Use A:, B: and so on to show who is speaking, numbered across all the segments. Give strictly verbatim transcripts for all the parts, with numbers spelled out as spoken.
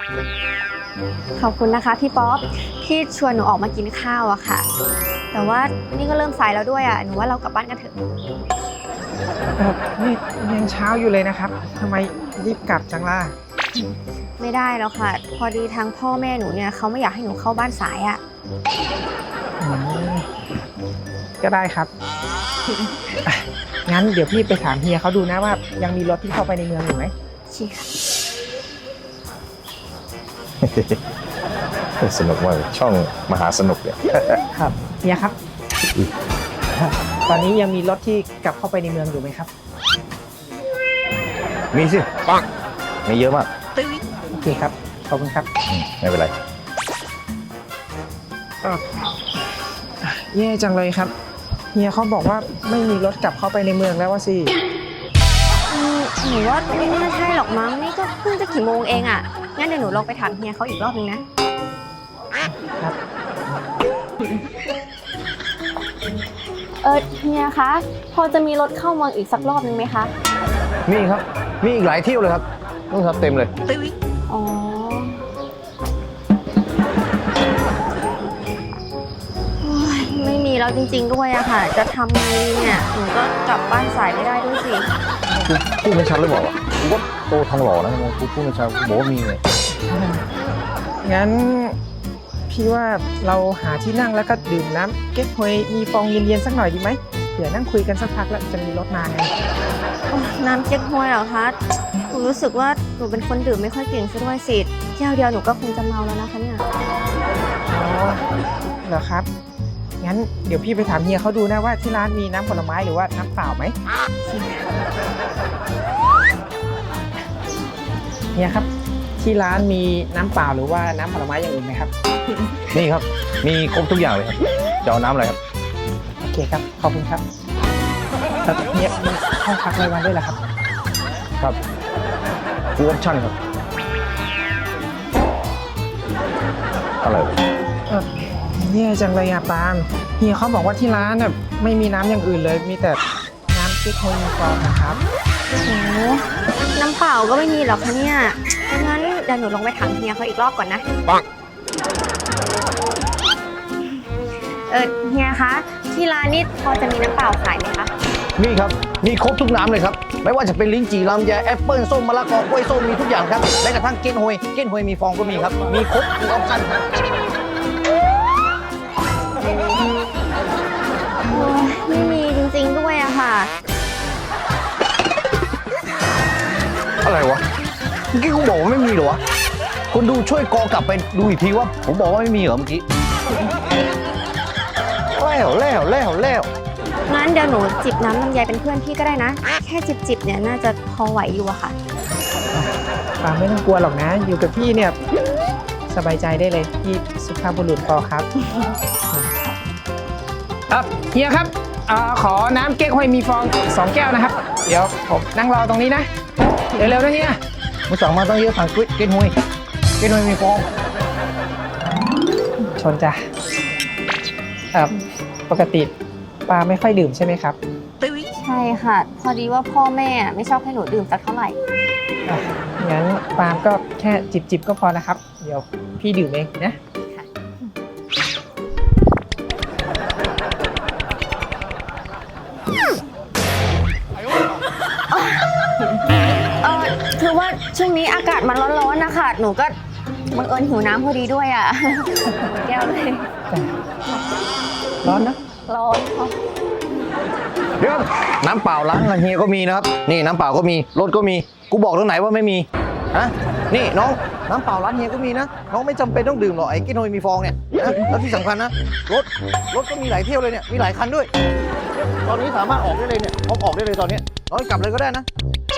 A: ขอบคุณนะคะพี่ป๊อปที่ชวนหนูออกมากินข้าวอะค่ะแต่ว่านี่ก็เริ่มสายแล้วด้วยอะหนูว่าเรากลับบ้านกันเถอะ
B: นี่ยังเช้าอยู่เลยนะครับทำไมรีบกลับจังล่ะ
A: ไม่ได้แล้วค่ะพอดีทางพ่อแม่หนูเนี่ยเขาไม่อยากให้หนูเข้าบ้านสายอะ
B: ก็ได้ครับงั้นเดี๋ยวพี่ไปถามเฮียเขาดูนะว่ายังมีรถที่เข้าไปในเมืองอยู่ไหม
A: ชิค่ะ
C: สนุกมากช่องมหาสนุกเนี่ย
B: ครับเฮียครับตอนนี้ยังมีรถที่กลับเข้าไปในเมืองอยู่ไหมครับ
C: มีสิปังมีเยอะมาก
B: โอเคครับขอบคุณครับ
C: ไม่เป็นไร
B: แย่จังเลยครับเฮียเขาบอกว่าไม่มีรถกลับเข้าไปในเมืองแล้วว่าสิ
A: หนูว่าไม่น่าใช่หรอกมั้งนี่ก็เพิ่งจะกี่โมงเองอ่ะงั้นเดี๋ยวหนูลองไปถามเฮียเขาอีกรอบนึงนะครับเออเฮียคะพอจะมีรถเข้าเมืองอีกสักรอบนึงไหมคะ
C: มีครับมีอีกหลายเที่ยวเลยครับนู่นครับเต็มเลย
A: อ๋อไม่มีแล้วจริงๆด้วยอะค่ะจะทำไงเนี่ยหนูก็กลับบ้านสายไม่ได้ด้วยสิ
C: กูพูดไม่ชัดเลยบอกว่ากูก็โตทองหล่อนะกูพูดไม่ชัดบอกว่ามีเลย
B: งั้นพี่ว่าเราหาที่นั่งแล้วก็ดื่มน้ำเก๊กฮวยมีฟองเย็นๆสักหน่อยดีไหมเดี๋ยวนั่งคุยกันสักพักแล้วจะมีรถมาไง
A: น้ำเก๊กฮวยเหรอคะหนูรู้สึกว่าหนูเป็นคนดื่มไม่ค่อยเก่งซะด้วยสิแก้วเดียวหนูก็คงจะเมาแล้วนะคะเนี่ย
B: อ๋อเหรอครับงั้นเดี๋ยวพี่ไปถามเฮียเขาดูนะว่าที่ร้านมีน้ำผลไม้หรือว่าน้ำเปล่าไหมเฮียครับที่ร้านมีน้ำเปล่าหรือว่าน้ำผลไม้อย่างอื่นไหมครับ
C: นี่ครับมีครบทุกอย่างเลยครับจะเอาน้ำอะไรครับ
B: โอเคครับขอบคุณครับเฮียมีห้องพักรายวันด้วยเหรอครับ
C: ครับฟูลออปชั่นครับอะไร
B: เออแย่จังเลยอะปาล์มเฮียเขาบอกว่าที่ร้านน่ะไม่มีน้ำอย่างอื่นเลยมีแต่น้ำเก๊กฮวยมีฟองนะครับ
A: โอ้โหน้ำเปล่าก็ไม่มีหรอกคะเนี่ยงั้นเดี๋ยวหนูลองไปถามเฮียเขาอีกรอบก่อนนะ
C: ปัง
A: เออเฮียคะที่ร้านนี่พอจะมีน้ำเปล่าขายไหมคะ
C: มีครับมีครบทุกน้ำเลยครับไม่ว่าจะเป็นลิ้นจี่ลำไยแอปเปิ้ลส้มมะละกอกล้วยส้มมีทุกอย่างครับแม้กระทั่งเก๊กฮวยเก๊กฮวยมีฟองก็มีครับมีครบทุกออปชั่นครับ
A: ไม่มีจริงๆด้วยอะค่ะ
C: อะไรวะเมื่อกี้กูบอกว่าไม่มีเหรอวะคุณดูช่วยกอกลับไปดูอีกทีว่าผมบอกว่าไม่มีเหรอเมื่อกี้แล้วแล้วแล้วแล้ว
A: งั้นเดี๋ยวหนูจิบน้ำลำไยเป็นเพื่อนพี่ก็ได้นะแค่จิบๆเนี่ยน่าจะพอไหวอยู่อะค่ะ
B: ปาไม่ต้องกลัวหรอกนะอยู่กับพี่เนี่ยสบายใจได้เลยพี่สุภาพบุรุษพอครับครับเฮียครับขอน้ำเก๊กฮวยมีฟองสองแก้วนะครับเดี๋ยวผมนั่งรอตรงนี้นะเร็วๆนะเฮีย
C: มึงสั่งมาตั้งเยอะสั่งเก๊กฮวยเก๊กฮวยมีฟอง
B: ชนจ้ะปกติปาไม่ค่อยดื่มใช่ไหมครับ
A: ใช่ค่ะพอดีว่าพ่อแม่ไม่ชอบให้หนูดื่มสักเท่าไหร่
B: งั้นปาก็แค่จิบๆก็พอนะครับเดี๋ยวพี่ดื่มเองนะ
A: เออคือว่าช่วงนี้อากาศมันร้อนๆนะคะหนูก็บังเอิญหิวน้ำพอดีด้วยอ่ะแก้วเลย
B: ร้อนนะ
A: ร้อน
C: เดี๋ยวน้ำเปล่าร้านเฮียก็มีนะครับนี่น้ำเปล่าก็มีรถก็มีกูบอกตรงไหนว่าไม่มีฮะนี่น้องน้ำเปล่าร้านเฮียก็มีนะน้องไม่จำเป็นต้องดื่มหรอกไอ้เก๊กฮวยมีฟองเนี่ยนะแล้วที่สำคัญนะรถรถก็มีหลายเที่ยวเลยเนี่ยมีหลายคันด้วยตอนนี้สามารถออกได้เลยเนี่ยพร้อมออกได้เลยตอนนี้น้องกลับเลยก็ได้นะ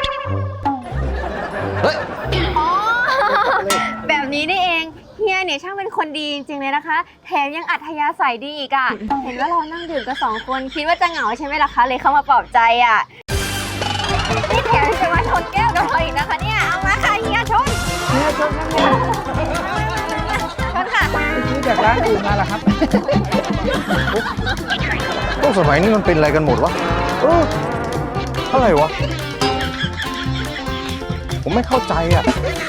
C: เฮ้ย
A: อ๋อแบบนี้นี่เองเฮียเนี่ยช่างเป็นคนดีจริงๆเลยนะคะแถมยังอัธยาศัยดีอีกอ่ะเห็นว่าเรานั่งดื่มกันสองคนคิดว่าจะเหงาใช่ไหมล่ะคะเลยเข้ามาปลอบใจอ่ะนี่แถมจะมาชนแก้วกับเราอีกนะคะเนี่ยเอามาค่ะเฮียชน
B: เฮียชนนะเนี่ย
A: ชนค่ะ
B: ซื้อจากร้านอื่นมาเหรอครับ
C: พวกสมัยนี้มันเป็นอะไรกันหมดวะเอออะไรวะผมไม่เข้าใจอ่ะ